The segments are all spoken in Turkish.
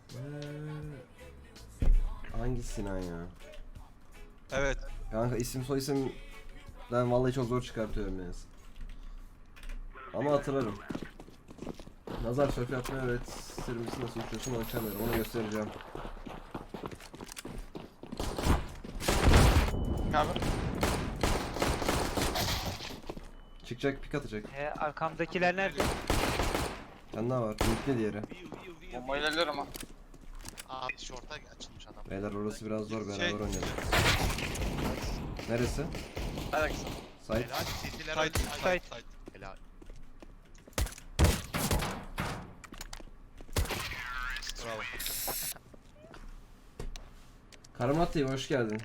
Hangi Sinan ya? Evet. Kanka isim soy isim ben vallahi çok zor çıkartıyorum yani. Ama hatırlarım. Nazar şöyle yapmayı öğretir misin, nasıl uçuyorsun ölçemiyorum, onu göstereceğim. Abi. Çıkacak, pik atacak. Arkamdakiler nerede? Sen daha var, linkli diğeri. Bombayı ilerliyorum ha. Aa short'a açılmış adam. Beyler orası biraz zor, beraber Şey- oynayalım. Neresi? Hadi kısa. Site. Helal. City'ler Side, öldü. side, side. Helal. Bravo. Karamat TV hoş geldin.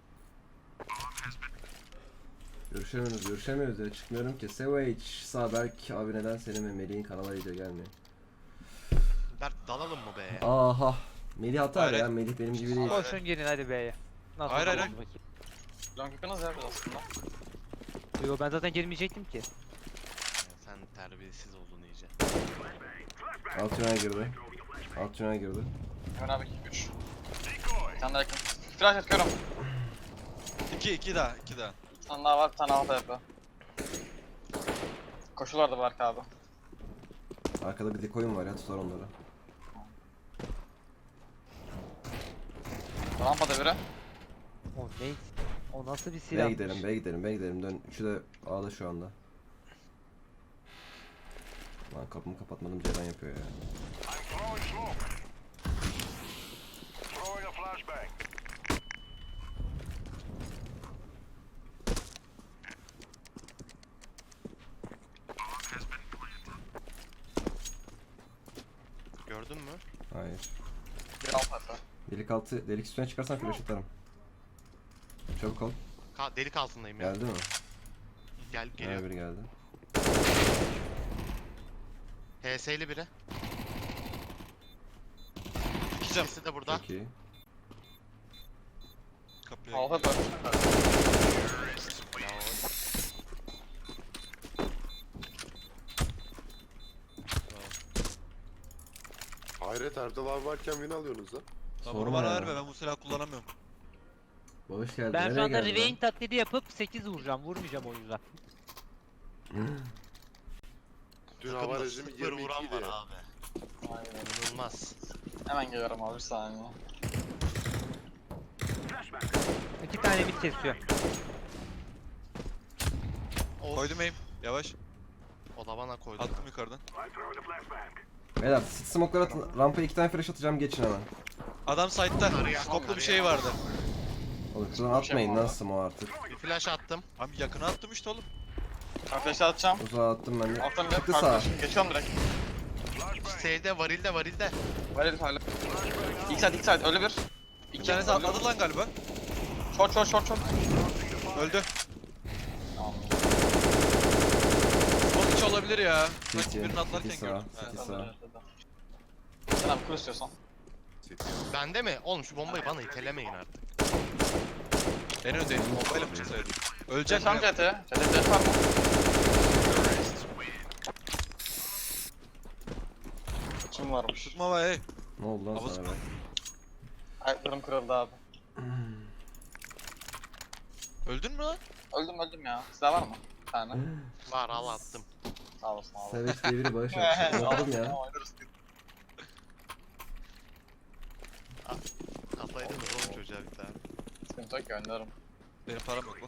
Görüşemiyoruz ya, çıkmıyorum ki. Savage, Saberk abi neden senin ve Melih'in kanala video gelmiyor? Berk dalalım mı be? Aha. Melih atar Hayır, ya, hayır. Melih benim gibi değil. Koşun girin hadi B'ye. Nasıl Hayır, hayır, oldu hayır. bakayım? Long yakınız ya aslında. Yo ben zaten girmeyecektim ki. Sen terbiyesiz oldun iyice. Alt tünel girdi. Alt tünel girdi. Hemen abi 3. Bir tane daha yakın. Flash atıyorum. 2 daha, 2 daha. Bir tane daha var, bir tane alta yapıyor. Koşulardı Berk abi. Arkada bir decoy'um var ya, tutar onları. Rampada biri. O ne? O nasıl bir B'ye silah? gidelim, B'ye gidelim, B'ye gidelim. Dön. Üçü de A'da şu anda. Lan kapımı kapatmadım, Ceren yapıyor ya. Gördün mü? Hayır. Bir alta yapıyor. Delik altı, delik üstüne çıkarsan flash atarım. Çabuk ol. Delik altındayım ya. Geldi mi? Gel Geliyor. geliyor. Biri geldi. HS'li biri. 2 cam. İkisi de burada. Çok iyi. Kapıya Alta gidiyor. yapıyor. Hayret Erdal abi varken win alıyorsunuz lan. Tamam, Sorma bana ya. verme, ben bu silahı kullanamıyorum. Hoş geldin. Ben şu Nereye anda geldin Revain taklidi yapıp 8 vuracağım. Vurmayacağım o yüzden. lan? Dün Takımda hava rejimi 0 vuran 22 var idi. abi. Aynen. İnanılmaz. Hemen geliyorum abi bir saniye. 2 tane bit kesiyor. Of. Koydum aim. Yavaş. O da bana koydu. Attım yukarıdan. Beyler smoke'lara atın. Rampaya 2 tane flash atacağım, geçin hemen. Adam side'da. Araya, Skoplu bir araya. şey vardı. Oğlum şuradan atmayın lan smoke artık. Bir flash attım. Abi yakına attım işte oğlum. Ben flash'ı atacağım. Uzağa attım ben de. Alttan bir Çıktı sağa. kardeş. Geçiyorum direkt. Şeyde varilde. Var herif hala. İlk side ölü bir. Bir tanesi atladı lan galiba. Short. Öldü. Tamam. Smoke içi olabilir ya. City, Sanki birini atlarken City gördüm. sağa, Ha. City sağa. Sen abi kur istiyorsan. Bende mi? Oğlum şu bombayı bana itelemeyin artık. En öndeydim. Bombayla mı çıksaydım? Öleceğim. Geçen CT. CT var mı? Kim varmış? Tutma be hey. Ne oldu lan Havuz- sana be? Ayaklarım kırıldı abi. Öldün mü lan? Öldüm ya. Silah var mı? Bir tane. Var al attım. Sağ olasın abi. Savage diye biri bağış yapmış. Okudum ya. Oynarız. Kafayı da oğlum çocuğa bir tane. Sıkıntı yok ki oynarım. Benim param yok lan.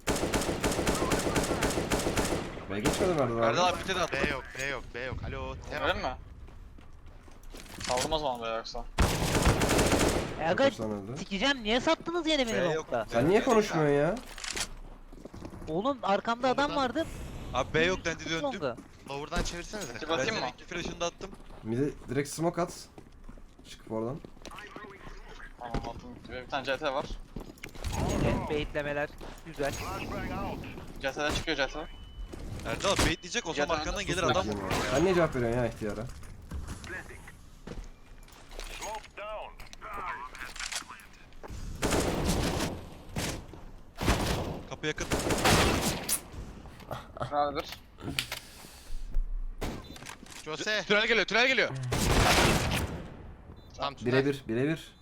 Ve geçmedim Erdal abi. Erdal abi bir de attı. B yok. Alo. Öyle mi? Saldım o zaman be yoksa. Aga Kaçtan öldü? sikeceğim, niye sattınız yine beni B yok. nokta? Sen niye konuşmuyorsun ya? Oğlum arkamda adam vardı. Abi B yok dendi döndüm. Oldu. Lower'dan çevirsenize. Peki Ben bakayım senin mı? 2 flash'ını da attım. Midi direkt smoke at. Çıkıp oradan. Tamam attım. Bir tane CT var. Evet, baitlemeler güzel. CT'den çıkıyor CT. Erdal abi baitleyecek o zaman Yalan. arkandan gelir Sus adam. bakayım ya. Sen niye cevap veriyorsun ya ihtiyara? Kapı yakın. Şurada bir. Jose. Tünel geliyor. Tam tünel. Birebir, birebir.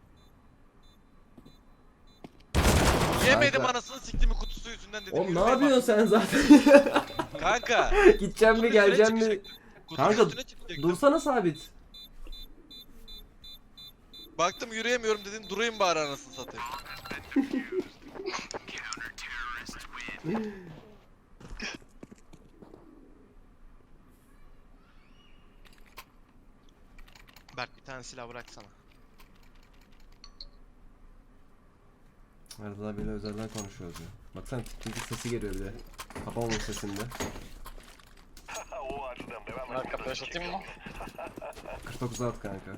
Yemedim Kanka. anasını siktiğimi kutusu yüzünden dedim. Oğlum ne yürüyeyim yapıyorsun sen zaten? bak. Kanka. Gideceğim mi kutunun geleceğim üstüne mi? çıkacaktım. Kutunun Kanka, üstüne çıkacaktım. Dursana sabit. Baktım yürüyemiyorum dedim durayım bari anasını satayım. Berk bir tane silah bıraksana. Erdal abiyle özelden konuşuyoruz ya. Baksana tiktik sesi geliyor bir de. Kapamamış sesinde. Bunlar kapıyı açatayım mı? 49 at kanka.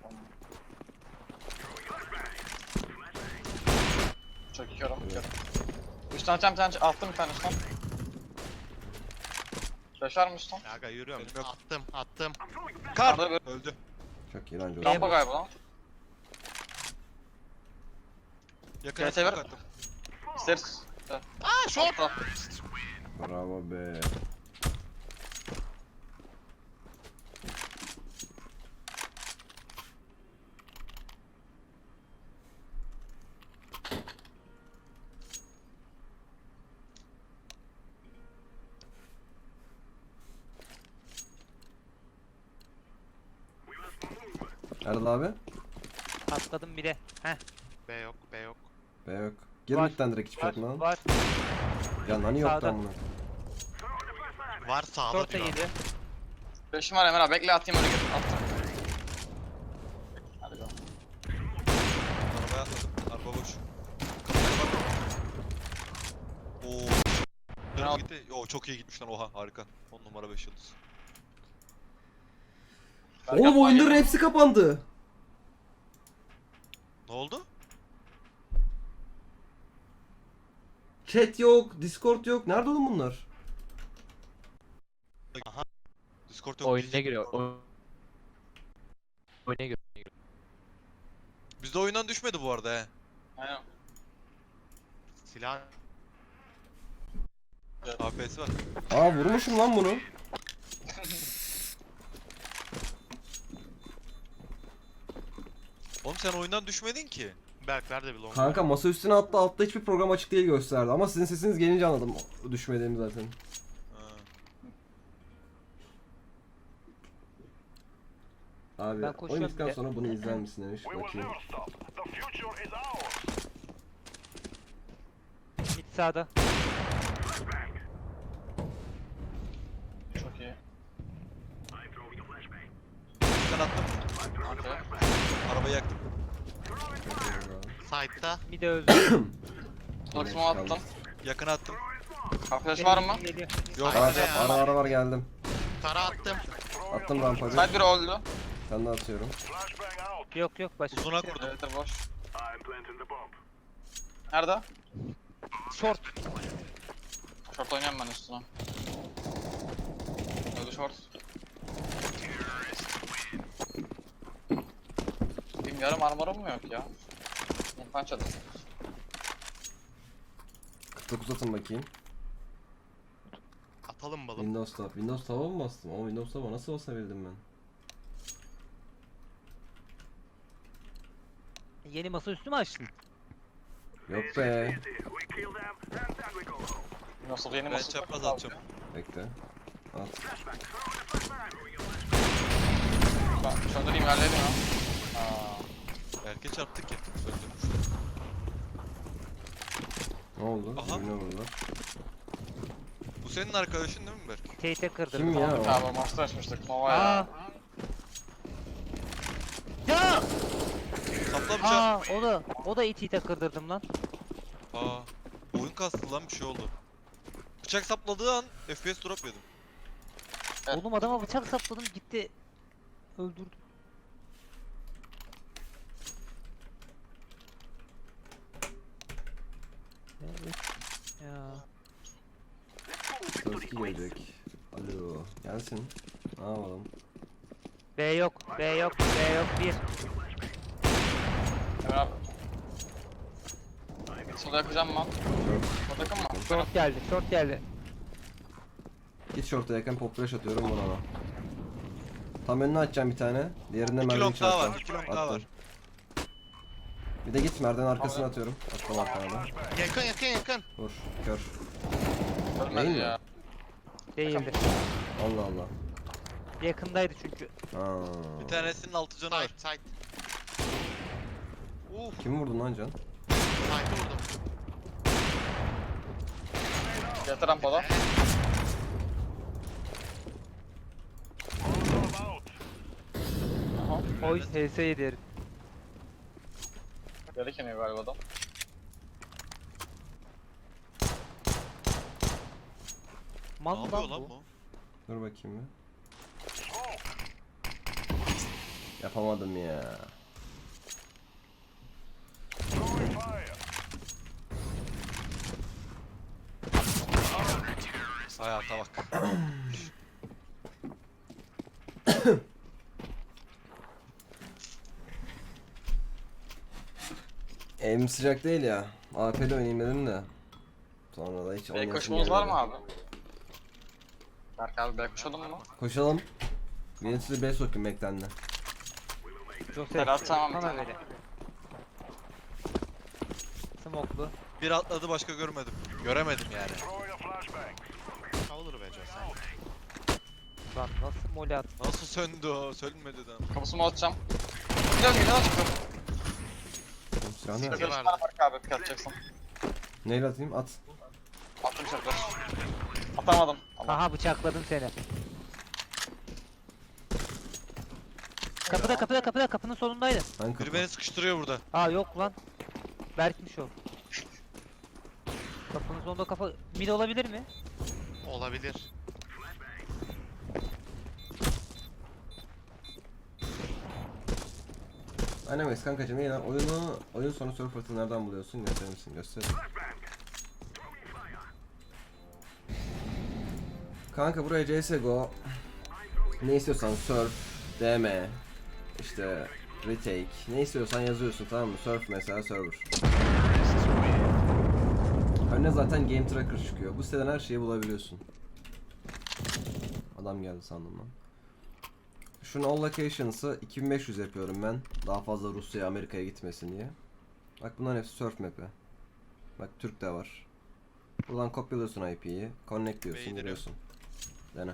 Çekiyorum. 3 tane bir tane attım bir tane üstten. Flash var mı üstten? Ya aga yürüyorum. Benim yok. Attım. Kar! Arada bir Öldü. Çok iyi lan Joe. rampa galiba lan. Yakına Gel, sever. smoke attım. İsteriz. Aa short. Bravo be. Erdal abi? Atladım bile. Heh. B yok. Be yok. Gir Var. midden direkt hiçbir şey Var. atma lan. Var. Ya nani yok Sağda. lan bunu. Var sağda Short da diyor. geliyor. Flash'im var Emre abi bekle atayım öyle gir. Attım. Hadi go. Arabaya atladım. Araba boş. Kapıya bak. Oo. Dönüp gitti. Yo çok iyi gitmiş lan oha harika. 10 numara 5 yıldız. Berk Oğlum atma, oyunların gel. hepsi kapandı. Ne oldu? Chat yok, Discord yok. Nerede oğlum bunlar? Aha. Discord yok. Oyuna giriyor. Oyuna giriyor. Bizde oyundan düşmedi bu arada he. Aynen. Silah. APS var. Aa vurmuşum lan bunu. Oğlum sen oyundan düşmedin ki. Berk ver de bir long. Kanka masa üstüne attı, altta hiçbir program açık değil gösterdi. Ama sizin sesiniz gelince anladım düşmediğimi zaten. Ha. Abi Ben koşuyorum oyun bittikten bile. sonra bunu izler misin demiş. Bakayım. Mid sağda. Çok iyi. Ben attım. Okey. Arabayı yaktım. Side'da. Mid de öldü. Dox'umu attım. Yakına attım. Flash var mı? Geliyor. Yok. Var, Side'da ya. ara var geldim. Tara attım. Attım rampayı. Side biri öldü. Sen de atıyorum. Yok yok başka. Uzuna kurdum. Evet boş. Nerede? Short. Short oynayan ben üstüne. Öldü short. Benim yarım armorum mu yok ya? İnfan çadır. 49 atın bakayım. Atalım balım. Windows Tab. Windows Tab'a mı bastım? Ama Windows Tab'a nasıl basabildim ben? Yeni masa üstü mü açtın? Yok be. Nasıl yeni Ben masa çapraz atacağım. Bekle. At. Ben şurada diyeyim yerleydim ya. Belki çarptık ya. Söndürmüş. Ne oldu? Aha. Birbirine vurdular. Bu senin arkadaşın değil mi Berk? Tate'e kırdım. Kim ya o? Abi master açmıştık Nova ya. Aa. Ya! Sapla bıçak. Aa, o da iti kırdırdım lan. Aa. Oyun kastı lan bir şey oldu. Bıçak sapladığı an FPS drop yedim. Evet. Oğlum adama bıçak sapladım gitti. Öldürdüm. Evet. Ya. Sözki gelecek. Alo. Gelsin. Ne yapalım? B yok, B yok, B yok. Bir. Emre abi. Sola yakacağım ben. Sola yakın mı? Short geldi, short geldi. Git short'a yakın pop flash atıyorum vur ona. Tam önüne açacağım bir tane. Diğerinde 2 merdiven long daha çarptım. var. 2 long daha Attım. var. Bir de git merdiven arkasına atıyorum. Attım arkana da. Yakın yakın yakın. Vur. Kör. Ölmedi Değil mi? ya. Değildi. Allah Allah. Yakındaydı çünkü. Aa. Bir tanesinin 6 canı var. Side side. Uf. Kimi vurdun lan Can? Side'ı vurdum. Yeter rampada. Aha. Oy HS yedi herif. Geri keniyor galiba adam. Mal Ne mı yapıyor lan lan bu? bu? Dur bakayım bir. Yapamadım ya. Hayata bak. Evim sıcak değil ya. AP'de oynayayım dedim de. Sonra da hiç B oynayasım koşumuz var gelmedi. mı abi? Berk abi B koşalım mı? Koşalım. Beni size B sokayım beklendi. Joseph. Serhat tamam. Sana böyle. Smoklu. Bir atladı başka görmedim. Göremedim yani. Olur be Joe sen. Lan nasıl mole at? Nasıl söndü o? Sönmedi de. Kapısımı atacağım. Biraz geliyor çıktım. Silah Siktir. nerede? Şurada bir tane Berk abi pik atacaksın. Neyle atayım? At. Attım şurada. Atamadım. Ama Aha bıçakladım seni. Kapıda kapının sonundaydı. Hangi Biri kapı? beni sıkıştırıyor burada. Aa yok lan. Berk'miş o. Kapının sonunda kafa... Mid olabilir mi? Olabilir. Animax kankacım iyi lan. Oyun sonu surfer'ı nereden buluyorsun? Gösterir misin? Göster. Kanka buraya CSGO. Ne istiyorsan surf, DM, işte retake. Ne istiyorsan yazıyorsun tamam mı? Surf mesela server. Önüne zaten game tracker çıkıyor. Bu siteden her şeyi bulabiliyorsun. Adam geldi sandım lan. Şunu all locations'ı 2500 yapıyorum ben. Daha fazla Rusya'ya, Amerika'ya gitmesin diye. Bak bunların hepsi surf map'i. Bak Türk de var. Buradan kopyalıyorsun IP'yi. Connect diyorsun, Beğenirim. giriyorsun. Dene.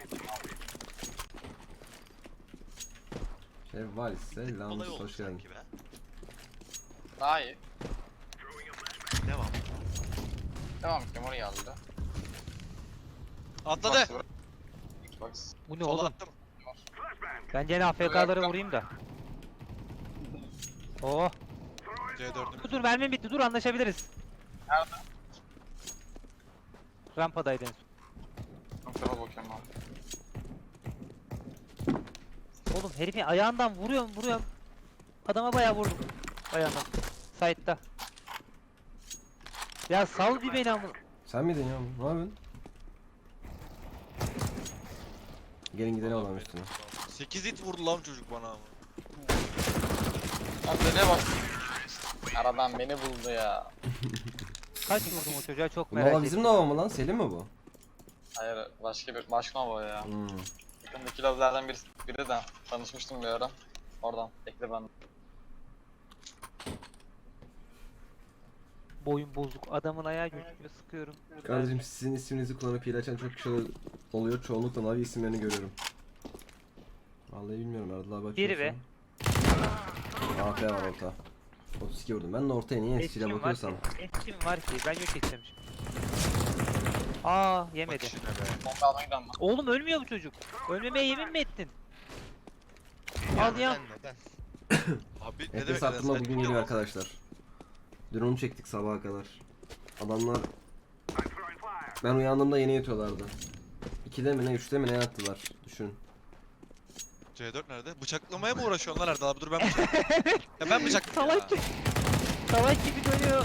Şevval selam, Olay oldu hoş geldin. sanki be. daha iyi. Devam. Devam ettim oraya aldı. Atladı. Bak. Bu ne Sola oğlum? attım. Ben gene AFK'ları vurayım da. Oh. C4'üm. Dur mermim bitti. Dur anlaşabiliriz. Nerede? Rampadaydı en son. Kontrola bakıyorum abi. Oğlum herifin ayağından vuruyorum. Adama bayağı vurdum. Ayağından. Side'da. Ya sal bir beni amına. Sen miydin ya? Ne yapıyorsun? Gelin gidelim adam üstüne. 8 hit vurdu lan çocuk bana ama. Lan deliye bak. Aradan beni buldu ya. Kaç vurdum o çocuğa çok merak Nova ettim. bizim Nova mı lan? Selim mi bu? Hayır başka Nova ya. Hmm. Yakındaki lobilerden biri de tanışmıştım bir ara. Oradan ekle ben. Boyun bozuk. Adamın ayağı gözüküyor. Sıkıyorum. Kardeşim sizin isminizi kullanıp hile açan çok kişi oluyor. Çoğunlukla Navi isimlerini görüyorum. Vallahi bilmiyorum Erdal abi Biri be. AP var orta. 32 vurdum. Ben de ortaya niye Etkim eskiyle var bakıyorsam. ki. Etkim var ki. Ben yok edeceğim şimdi. Aa Bak yemedi. işine be. Bomba almaya giden ben. Oğlum ölmüyor bu çocuk. Ölmemeye yemin mi ettin? Al ya. Neden? Abi ne FPS demek aklıma sen? bugün geliyor arkadaşlar. Dün onu çektik sabaha kadar. Adamlar... Ben uyandığımda yeni yatıyorlardı. 2'de mi ne 3'te mi ne yattılar. Düşün. C4 nerede? Bıçaklamaya mı uğraşıyorsun lan Erdal abi? Dur ben bıçaklayayım. Ya ben bıçaklayayım Salak ya. gibi. Salak gibi dönüyor.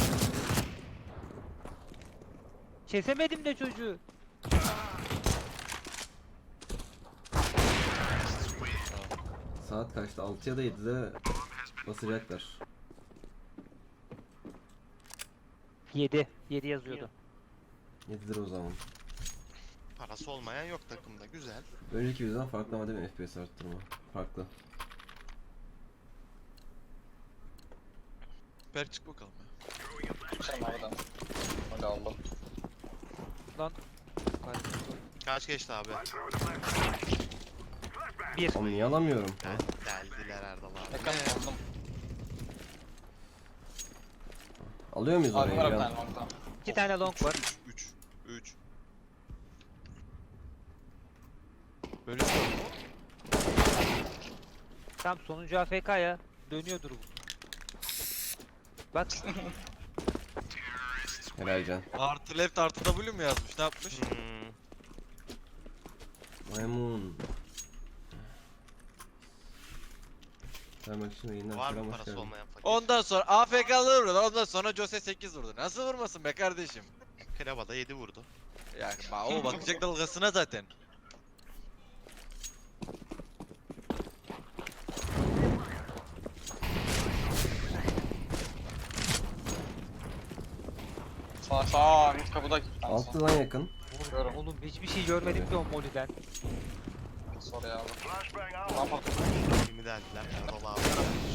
Kesemedim de çocuğu. Saat kaçtı? 6 ya da 7'de basacaklar. 7 yazıyordu. 7'dir o zaman. Parası olmayan yok takımda. Güzel. Önceki videodan farklı ama değil mi FPS arttırma? Farklı. Berk çık bakalım ya. Sen oradan. Hadi aldım. Lan. Kaç geçti abi? 1. Oğlum niye alamıyorum? Deldiler Erdal abi. Yakın aldım. Alıyor muyuz Abi orayı? var bir Ya? tane long'da. 2 tane long var. 3. Böyle bir şey oldu mu? Tam sonuncu AFK ya. Dönüyordur bu. Bak. Helal can. Artı left artı W mu yazmış? Ne yapmış? Hmm. Maymun. Vermek için yayından Var selam, mı hoş parası geldin. olmayan fakir? Ondan sonra AFK'lı vurdu. Ondan sonra Jose 8 vurdu. Nasıl vurmasın be kardeşim? Kreba da 7 vurdu. Yani o bakacak dalgasına zaten. Sağ mid kapıda. Altıdan yakın. Vuruyorum. Oğlum hiçbir şey görmedim ki o moliden. Sonra ya. Rampa. Kimi deldiler Erdal abi.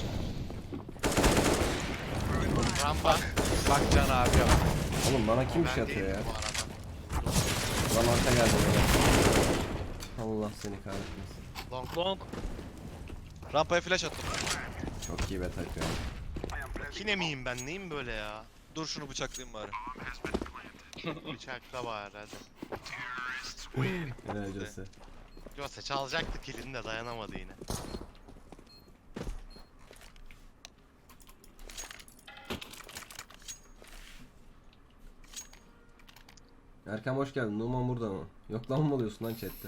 Rampa. Bak Can abi ya. Oğlum bana kim bir Ben şey atıyor ya? değilim bu arada. Lan arka geldi böyle. Allah seni kahretmesin. Long. Long. Rampaya flash attım. Çok iyi bet atıyor. Yine miyim ben? Neyim böyle ya? Dur şunu bıçaklayayım bari. Bıçakla var hadi. Helal Jose. Jose çalacaktı kilini de dayanamadı yine. Erkan hoş geldin. Numan burada mı? Yok lan mı oluyorsun lan chatte?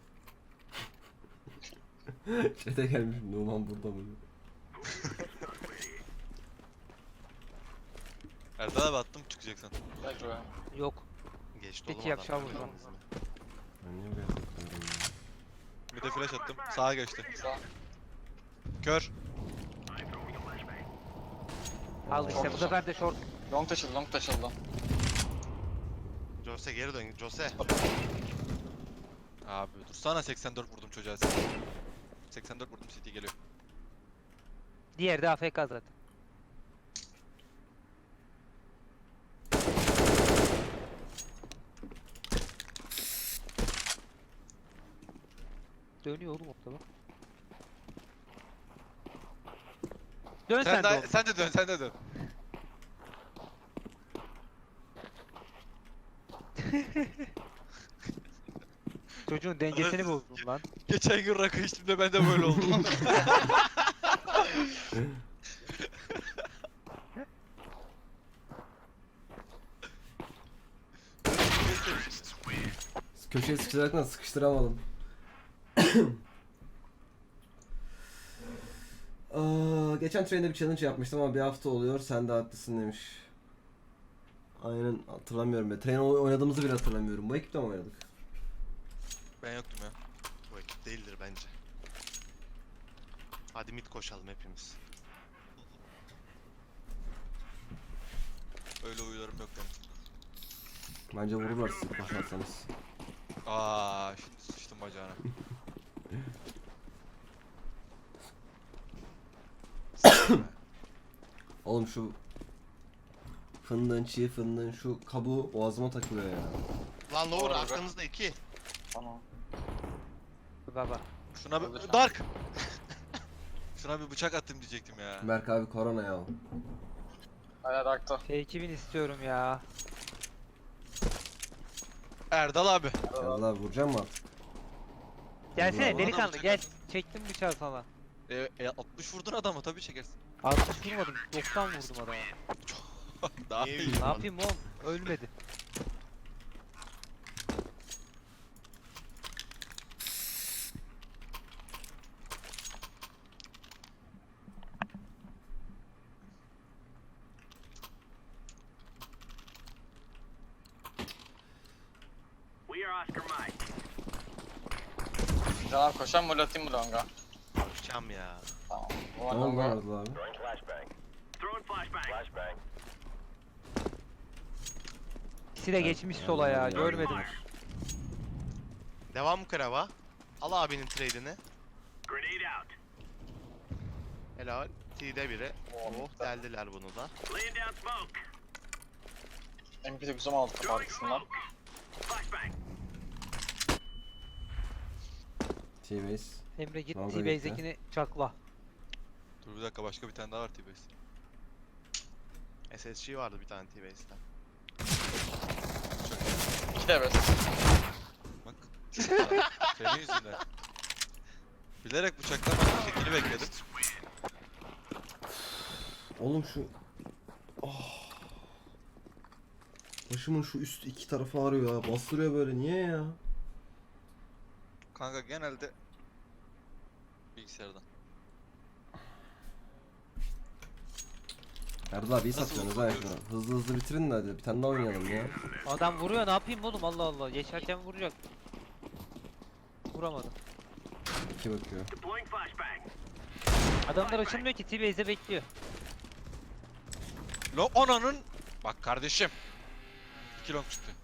Chat'e gelmiş Numan burada mı? diyor. Erdal abi attım çıkacaksın. Belki be. Yok. Geçti Peki, oğlum yapacağım adam. vuracağım. Ben niye buraya tıklıyorum ya? Bir de flash attım. Sağa geçti. Sağ. Kör. Al işte bu sefer de short. Long taşıldı, long taşıldı. Jose geri dön. Jose. Abi dur sana 84 vurdum çocuğa. 84 vurdum CT geliyor. Diğeri de AFK zaten. Dönüyor oğlum ortada. Dön sen, Sen de de, oğlum. sen de dön sen de dön. Çocuğun dengesini bozdun lan. Geçen gün rakı içtiğimde ben de böyle oldum. Köşeye sıkıştırarak sıkıştıramadım. Geçen trende bir challenge yapmıştım ama bir hafta oluyor. Sen de haklısın demiş. Aynen hatırlamıyorum be. Train oynadığımızı bile hatırlamıyorum. Bu ekipte mi oynadık? Ben yoktum ya. Bu ekip değildir bence. Hadi mid koşalım hepimiz. Öyle huylarım yok benim. Bence vururlar sizi koşarsanız. Aa, şimdi sıçtım bacağına. Oğlum şu fındığın, çiğ fındığın şu kabuğu boğazıma takılıyor ya. Lan Lower Orada arkanızda 2. Tamam. Baba. Şuna Öldür bir sen. Dark. Şuna bir bıçak attım diyecektim ya. Berk abi korona ya. Hala darkta. F2000 istiyorum ya. Erdal abi. Yallah abi vuracağım mı artık? Gelsene Ulan, delikanlı bıçak gel. at. Çektim bıçağı sana. 60 vurdun adamı tabii çekersin. 60 vurmadım. 90 vurdum adama. Daha Niye iyi. vurdun? Ne yapayım oğlum? Ölmedi. Canan koşan mı atayım mı longa? Koşacağım ya. Tamam. Bu Ne var oldu longa. lan Erdal abi? İkisi de geçmiş sola ya. Yani Görmedim. Devam Krava. Al abinin trade'ini. Helal. T'de biri. Oh deldiler bunu da. MP9'umu aldık kapı arkasından. T-base. Emre git Longa T-Base'dekini çakla. Dur bir dakika, başka bir tane daha var T-Base. SSG vardı bir tane T-Base'de. 2 de evet. Bak. Senin yüzünden. Bilerek bıçaklamadım, tekini bekledim. Oğlum şu... Oh. Başımın şu üst iki tarafı ağrıyor ya. Bastırıyor böyle. Niye ya? Kanka genelde bilgisayardan. Erdal abi iyi Nasıl satıyorsunuz ha bakıyorsun? şunu. Hızlı hızlı bitirin de hadi. Bir tane daha oynayalım ya. Adam vuruyor, ne yapayım oğlum, Allah Allah. Geçerken vuracak. Vuramadım. İki bakıyor. Adamlar açılmıyor ki, T-Base'de bekliyor. Lo onanın. Bak kardeşim. 2 long çıktı.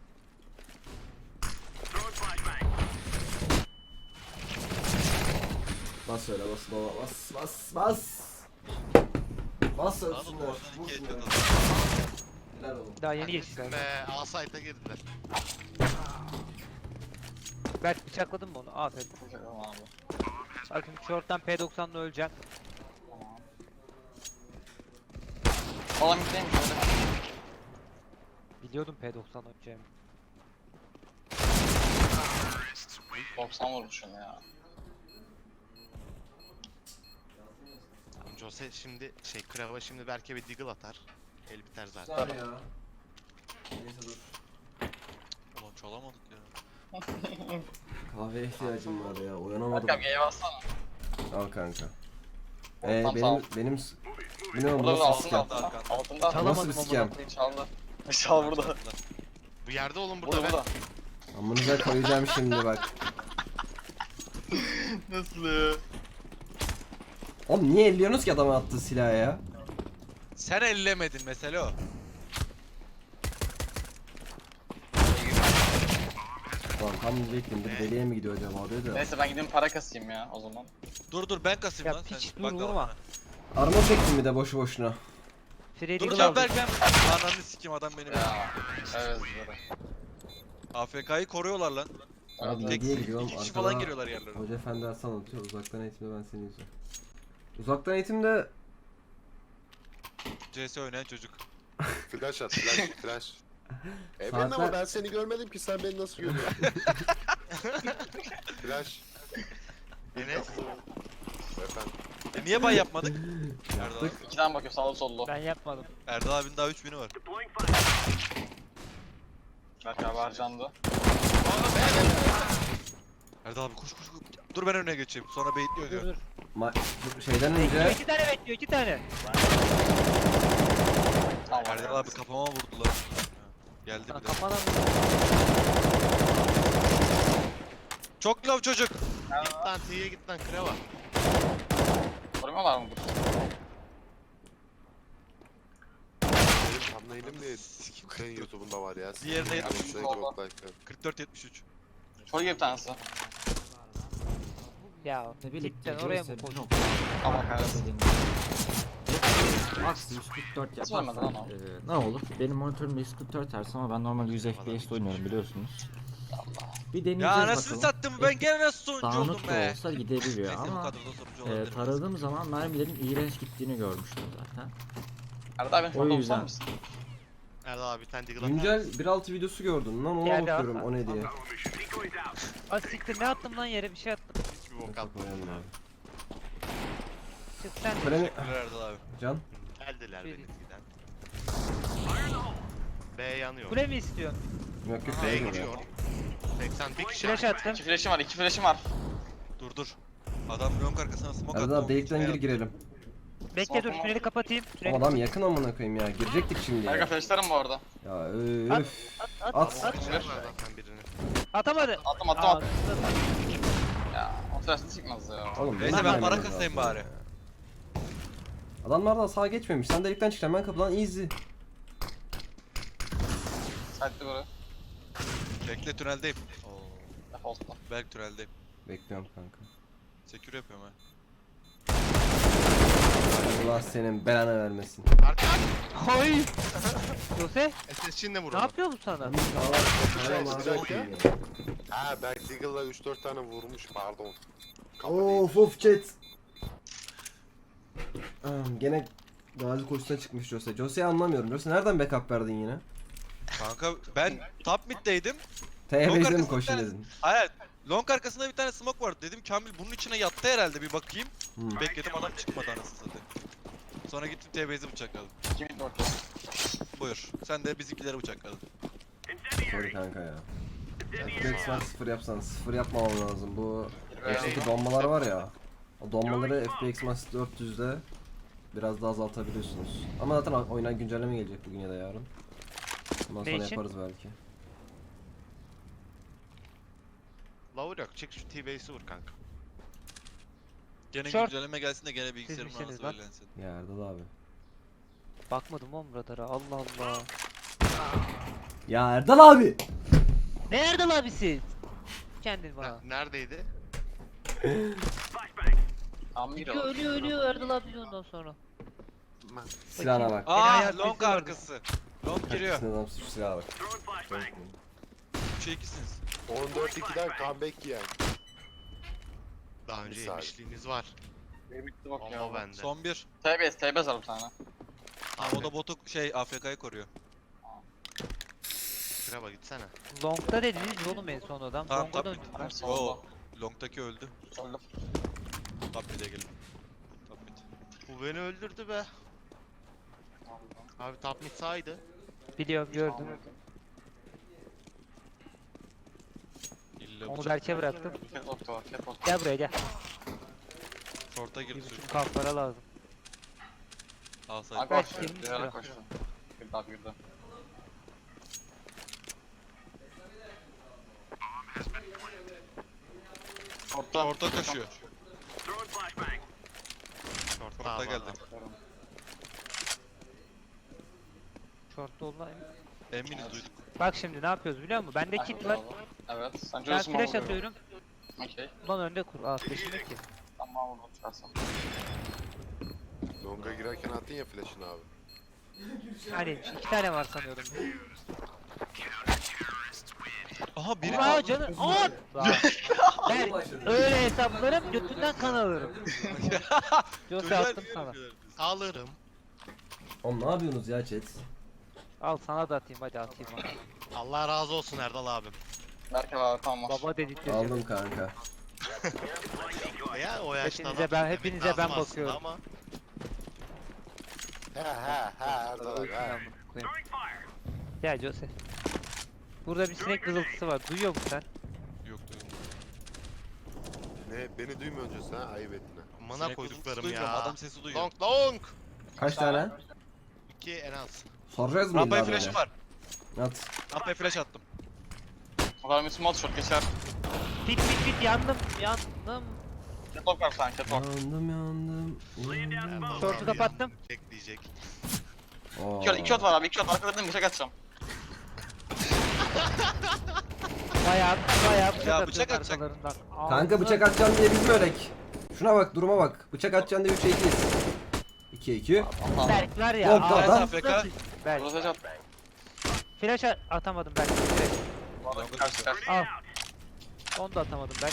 Bas öyle bas baba bas bas bas. Bas Anladın ölsünler. mı? Oradan 2 Vursunlar. ediyordu. Helal oğlum. Daha yeni geçtiler. A site'a girdiler. Berk bıçakladın mı onu? Aferin. Tamam abi. Bakın short'tan P90'la öleceğim. Falan gideyim şöyle. Biliyordum P90 öleceğimi. 90 vurmuşum ya. Jose şimdi Krava şimdi Berk'e bir deagle atar. El biter zaten. Güzel ya. Neyse dur. Ulan çalamadık ya. Kahveye ihtiyacım var ya. Uyanamadım. Berk abi G'ye bassana. Al kanka. Tamam, sağ ol. benim bu ne oğlum Burada nasıl altında sikem? altında. Altında. Çalamadım Nasıl bir ama sikem? bakayım. Çaldı. Çal burada. Bu yerde oğlum burada, Burada ben. burada. Amınıza koyacağım şimdi bak. Nasıl ya? Oğlum niye elliyorsunuz ki adama attığı silahı ya? Sen ellemedin mesele o. Lan tam diyecektim bir deliye mi gidiyor acaba diye de. Neyse ben gideyim para kasayım ya o zaman. Dur ben kasayım Ya lan. piç, Sen dur, bak vurma. bana. Armor çektim bir de boşu boşuna. Freddy Dur Eagle lan aldım. Berk, ben ananı sikeyim, adam benim. Ya. Evet böyle. AFK'yı koruyorlar lan. Abi Tek diye gidiyorum. iki kişi arkada falan giriyorlar yerlerine. Hoca efendi ders anlatıyor. Uzaktan eğitimde ben seni izliyorum. Uzaktan eğitimde CS oynayan çocuk. Flash at flash flash. Evet Saatler- ama ben seni görmedim ki sen beni nasıl görüyorsun? Flash. Enes. Efendim. Niye bay yapmadık? Erdal abi. yaptık. 2'den bakıyor sağlı sollu. Ben yapmadım. Erdal abinin daha 3000'i var. Berk abi harcandı. Erdal abi koş. Dur ben önüne geçeyim. Sonra baitliyor Dur diyor. dur. Şeyden Bekliyor, önce 2 tane bekliyor, 2 tane. Tamam. Erdal abi kafama vurdular. Geldi Sana bir de. kafadan Çok love çocuk. Git lan T'ye git lan Krava. Korumuyorlar mı bu? Benim thumbnail'im de senin YouTube'unda var ya. Diğerine yetmiş. Yok like. 44-73. Çoğu gibi bir tanesi. ya. Ne birlikte Cidden oraya mı koydun? Tamam kahretsin. Max 144 Nasıl olmadı yaparsan lan ne olur? Benim monitörüm 144 Hz ama ben normal 100 FPS'te oynuyorum biliyorsunuz. Bir deneyeceğiz Ya bakalım. anasını sattım, ben gene nasıl sonucu oldum Dağınık da be. olsa gidebiliyor Neyse bu ama kadroda sonucu olabilir. taradığım zaman mermilerin iğrenç gittiğini görmüştüm zaten. Erdal abi O şurada yüzden. olsar mısın? Erdal abi bir tane deagle atar. güncel 1.6 videosu gördüm lan ona Geldi, bakıyorum at. o ne diye. Az siktir, ne attım lan yere, bir şey attım. Hiçbir bok atmadı. Koyalım abi. Çık sen. Freni Teşekkürler Erdal abi. Can. Geldiler Bir- benimkiden. B yanıyor. Kule mi istiyorsun? Yok yok B öyle gidiyor. 81 kişi. Flash attım. 2 flash'im var, 2 flash'im var. Dur. Adam long arkasına smoke attı. Erdal abi delikten gir girelim. Bekle dur, tüneli kapatayım. Tüneli Oğlum adam yakın amına koyayım ya. Girecektik şimdi Berk ya. abi flash'larım bu arada. Ya At, öf. at, At. at. Var zaten birini. Atamadı. Attım. Aa, Ya o flash'ı çıkmaz ya. Oğlum Neyse benim ben vermem para lazım kasayım ya. bari. Adamlar da sağa geçmemiş. Sen delikten çıkacaksın ben kapıdan easy. Sight'li böyle. Bekle tüneldeyim. Oo. Default'ta. Berk Türel'deyim. Bekliyorum kanka. Secure yapıyorum ha. Allah senin belanı vermesin. Arka. Hay! Jose SS'çinle vur ne onu. yapıyor bu sana? Ha Berk Deagle'la 3-4 tane vurmuş pardon. Kafa Of chat. Gene gazi koşusuna çıkmış Jose. Jose'yi anlamıyorum. Jose nereden backup verdin yine? Kanka ben top mid'deydim. TV'de mi arkasında koşun bir tane- dedin? Hayır. Long arkasında bir tane smoke vardı. Dedim Kamil bunun içine yattı herhalde bir bakayım. Hmm. Bekledim adam çıkmadı anasını satayım. Sonra gittim TB'yi bıçakladım. 2 mid orta. Buyur. Sen de bizimkileri bıçakladın. Sorry kanka ya. FPX var 0 yapsan 0 yapmamam lazım. Bu Evet. F2 donmalar var ya. O donmaları FPX Max 400'de biraz daha azaltabiliyorsunuz. Ama zaten oyuna güncelleme gelecek bugün ya da yarın. Ondan Ne sonra için? yaparız belki. Lavur yok. Çık şu T-Base'i vur kanka. Gene Short. güncelleme gelsin de gene bilgisayarımın misiniz anası lan? öğrensin. Ya Erdal abi. Bakmadım oğlum radara. Allah Allah. Ya Erdal abi! Nerede lan abisi? Kendin bana. Neredeydi? Tam mid Ölüyor ölüyor ölüyor Erdal abi ondan sonra. Silahına bak. hayat Long sesi vardı. arkası. Long giriyor. Kaçısın adam şu silaha bak. 3'e 2'siniz. 14-2'den comeback yiyen. Daha önce Misal. yemişliğiniz var. Bir bitti bak Ama ya. o bende. Son bir. TBS var bir tane. Ha, o da botu AFK'yı koruyor. Şuraya gitsene. Long'da dediniz oğlum en son adam. Tamam, Long'a tabii. döndük. Hepsi Oo. oldu. Long'daki öldü. Öldüm. Top mid'e gelin. Top mid. Bu beni öldürdü be. Abi top mid sağydı. Biliyorum gördüm. İlle Onu bıçak. Berk'e bıraktım. Catwalk'ta var. Catwalk. Gel buraya gel. Short'a Bir girdi suyu. buçuk kalklara lazım. Al Abi say. bak. Belki Bir ara 20 koştu. Bir daha girdi. Orta. Short'a koşuyor. Short'ta Short'a abi geldi. adam. Short'ta olan. Eminiz duyduk. Bak şimdi ne yapıyoruz biliyor musun? Bende kit var. Evet. Sen Ben Joe'sun flash atıyorum. Okey. Ulan önde kur. Aa flash'im yok ki. Tamam vurdum çıkarsam. Longa girerken attın ya flash'ını abi. Hani 2 tane var sanıyordum. Aha biri Aa canı. Aa! Ben öyle hesaplarım götünden kan alırım. Jose attım sana. Alırım. Oğlum ne yapıyorsunuz ya chat? Al sana da atayım hadi atayım bana. Allah razı olsun Erdal abim. Berke var tamam var. Baba dedirteceğim. Aldım kanka. Ya o yaşta Hepinize laf ben- demek hepinize lazım ben aslında bakıyorum. Ama He Erdal abi he. Gel Jose. Burada bir sinek vızıltısı var. Duyuyor musun sen? Yok duydum. Ne beni duymuyor önce sen ayıp ettin ha. amına Sinek koyduklarım vızıltısı duymuyorum, ya. Adam sesi duyuyor. Long long. Kaç tane? 2 en az. Soracağız mı Rampaya illa böyle? flash'ım var. At. Rampaya flash attım. O kadar bir small shot geçer. Pit pit pit yandım yandım. Catwalk var sen catwalk. Yandım yandım. Erdal Short'u abi kapattım. Çek diyecek. Oo. 2 shot var abi 2 shot arkalarından bıçak atacağım. Bayağı bıçak Ya, atıyorsun bıçak atacak. arkalarından. Kanka Ağzına- bıçak atacaksın diye biz mi ölek? Şuna bak duruma bak. Bıçak atacaksın diye 3'e 2'yiz. 2'ye 2. Allah'ım. Berk var ya. Yok, ağzına adam. sıçayım. Berk. Burası shot. Flash atamadım Berk. Direkt. Bu arada karşı karşı. Al. Onu da atamadım Berk.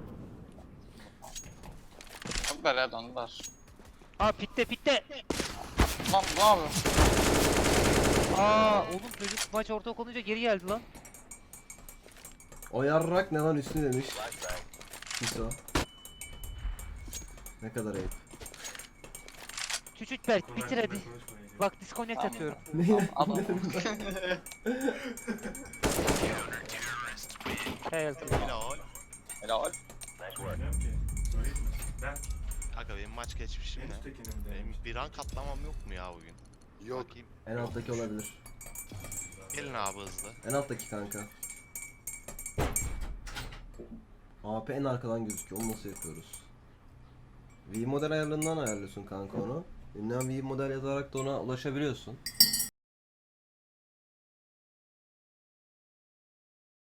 Çok böyle döndüler. Aa pitte pitte. Lan ne yapıyor? Aa oğlum çocuk maç orta olunca geri geldi lan. O yarrak ne lan üstü demiş. Hiso. Ne kadar ayıp. Küçük Berk bitir hadi. Bak disconnect Tamam. atıyorum. Ne? Adam. Helal. Helal. Helal. Kanka benim maç geçmişim ne? Benim bir rank atlamam yok mu ya bugün? Yok. Bakayım. En alttaki olabilir. Gelin abi hızlı. En alttaki kanka. AP en arkadan gözüküyor. Onu nasıl yapıyoruz? V model ayarlarından ayarlıyorsun kanka onu. Ünlem V model yazarak da ona ulaşabiliyorsun.